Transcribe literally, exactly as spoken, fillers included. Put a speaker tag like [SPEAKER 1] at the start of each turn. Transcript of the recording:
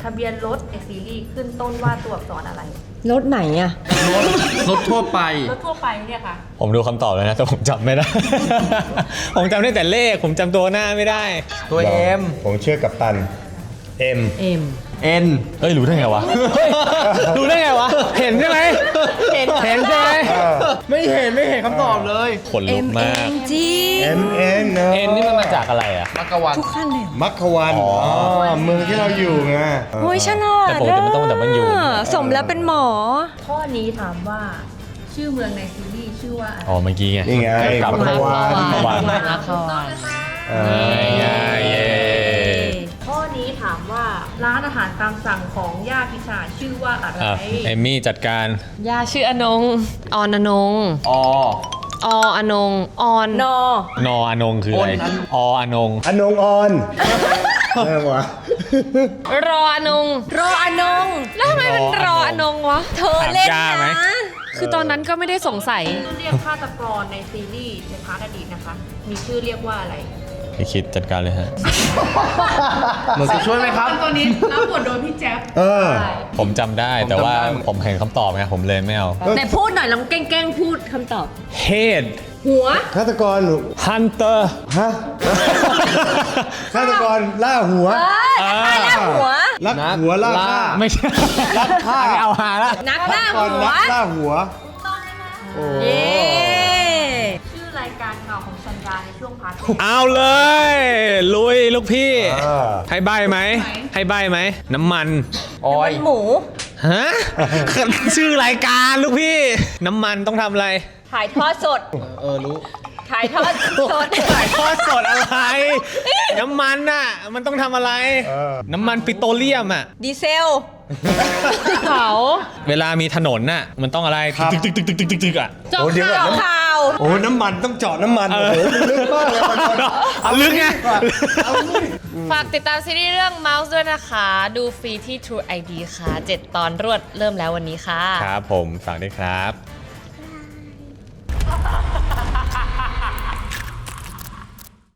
[SPEAKER 1] ะเบียนรถในซีรีส์ขึ้นต้นว่าตัวอักษรอะไร
[SPEAKER 2] รถไหนอะ
[SPEAKER 3] รถรถทั่วไป
[SPEAKER 1] รถทั่วไปเนี่ยค่ะ
[SPEAKER 4] ผมดูคำตอบแล้วนะแต่ผมจำไม่ได้ ผมจำได้แต่เลขผมจำตัวหน้าไม่ได้
[SPEAKER 3] ตัวเอ็ม
[SPEAKER 5] ผมเชื่อกับตันเอ็ม
[SPEAKER 2] เอ็ม
[SPEAKER 3] เอ็น
[SPEAKER 4] เอ้ยรู้ได้ไงวะรู้ได้ไงวะเห็นใช่ไหมเห็นเห็นใช่ไหม
[SPEAKER 3] ไม่เห็นไม่เห็นคำตอบเลย
[SPEAKER 4] ขนลุกมาก
[SPEAKER 2] จี
[SPEAKER 5] เอ็มเอ็นเนอะ
[SPEAKER 4] เอ็นนี่มันมาจากอะไรอะ
[SPEAKER 3] มักกะวัน
[SPEAKER 2] ทุกขั้นเลย
[SPEAKER 5] มักขวันอ๋อเมืองที่เราอยู่ไง
[SPEAKER 2] โอ้ยฉลาด
[SPEAKER 4] แต่ปกติมันต้องแต่มันอยู่
[SPEAKER 2] สมแล้วเป็นหมอ
[SPEAKER 1] ข้อนี้ถามว่าชื่อเมืองในซีรีส์ชื่อว่าอะไร
[SPEAKER 4] อ๋อเมื่อกี้ไง
[SPEAKER 5] นี่ไง
[SPEAKER 4] กลับ
[SPEAKER 5] มักขวัน
[SPEAKER 4] มักขวัน
[SPEAKER 2] มักขวัน
[SPEAKER 1] ข้อนี้ถามว่าร้านอาหารตามสั่งของย่าพิชาชื่อว่าอะไร
[SPEAKER 4] เอมมี่จัดการ
[SPEAKER 2] ย่าชื่ออนงออนอนง
[SPEAKER 3] อ
[SPEAKER 2] ออนงออนนอน
[SPEAKER 4] ออนงคืออะไรออนง
[SPEAKER 5] อนงออนแม่วะ
[SPEAKER 2] รออนงรออนงแล้วทำไมมันรออนงวะเธอเล่นนะคือตอนนั้นก็ไม่ได้สงสัย
[SPEAKER 1] เรียกฆาตกรในซีรีส์ในพาร์ทอดีตนะคะมีชื่อเรียกว่าอะไร
[SPEAKER 4] พี่คิดจัดการเลยฮะ
[SPEAKER 3] หนูจะช่วยไหมครับ
[SPEAKER 1] ตัวนี้รับบทโดยพี่แจ๊บ
[SPEAKER 5] เออ
[SPEAKER 4] ผมจำได้แต่ว่าผมเห็นคำตอบไงผมเลยไม่เอา
[SPEAKER 2] ไหนพูดหน่อยลองแกล้งๆพูดคำตอบ
[SPEAKER 4] Head
[SPEAKER 2] หัว
[SPEAKER 5] ฆาตกร
[SPEAKER 4] Hunter
[SPEAKER 5] ฮะฆาตกรล่าหัว
[SPEAKER 2] ล่าหัว
[SPEAKER 5] ลักหัวล่าฆ่า
[SPEAKER 4] ไม่ใช่
[SPEAKER 5] ลักฆ่า
[SPEAKER 4] ไม่เอาหาละ
[SPEAKER 2] นักล่าหัว
[SPEAKER 5] นักล่าหัว
[SPEAKER 1] โอ้ชื่อรายการข่าวของชันดาในช่วงพาร์ท
[SPEAKER 4] เอาเลยลุยลูกพี่ให้ใบไหมให้ใบไหมน้ำมัน
[SPEAKER 2] ออยหมู
[SPEAKER 4] ฮะชื่อรายการลูกพี่น้ำมันต้องทำอะไร
[SPEAKER 2] ถ่ายทอดสด
[SPEAKER 3] เออรู้
[SPEAKER 2] ถ่ายทอดสด
[SPEAKER 4] ถ่ายทอดสดอะไรน้ำมันน่ะมันต้องทำอะไรน้ำมันปิโตรเลียมอ่ะ
[SPEAKER 2] ดีเซลเผา
[SPEAKER 4] เวลามีถนนน่ะมันต้องอะไรตึกตึกตึกตึกตึกตึกตึกอ่ะ
[SPEAKER 2] เจาะข่าว
[SPEAKER 5] โอ้น้ำมันต้องเจาะน้ำมันโอ้โหลึกมากเลย
[SPEAKER 4] ลึกไง
[SPEAKER 2] ฝากติดตามซีรีส์เรื่อง Mouse ด้วยนะคะดูฟรีที่ True ไอ ดี ค่ะเจ็ดตอนรวดเริ่มแล้ววันนี้ค่ะ
[SPEAKER 4] ครับผมฝากด้วยครับ